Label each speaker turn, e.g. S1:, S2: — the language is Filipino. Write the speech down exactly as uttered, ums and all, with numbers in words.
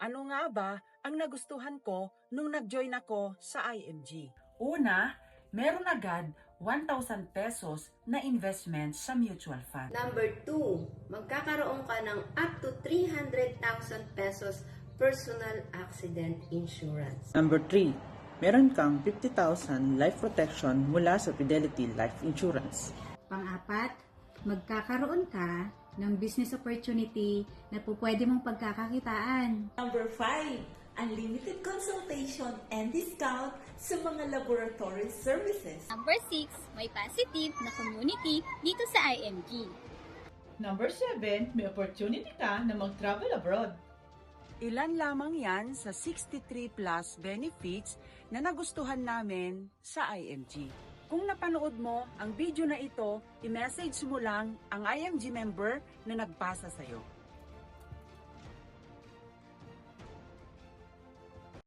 S1: Ano nga ba ang nagustuhan ko nung nag-join ako sa I M G?
S2: Una, meron agad one thousand pesos na investment sa mutual fund.
S3: Number two, magkakaroon ka ng up to three hundred thousand pesos personal accident insurance.
S4: Number three, meron kang fifty thousand life protection mula sa Fidelity Life Insurance.
S5: Pang-apat, magkakaroon ka ng business opportunity na po pwede mong pagkakakitaan.
S6: Number five, unlimited consultation and discount sa mga laboratory services.
S7: Number six, may positive na community dito sa I M G.
S8: Number seven, may opportunity ka na mag-travel abroad.
S1: Ilan lamang yan sa sixty-three plus benefits na nagustuhan namin sa I M G. Kung napanood mo ang video na ito, i-message mo lang ang I M G member na nagpasa sa'yo.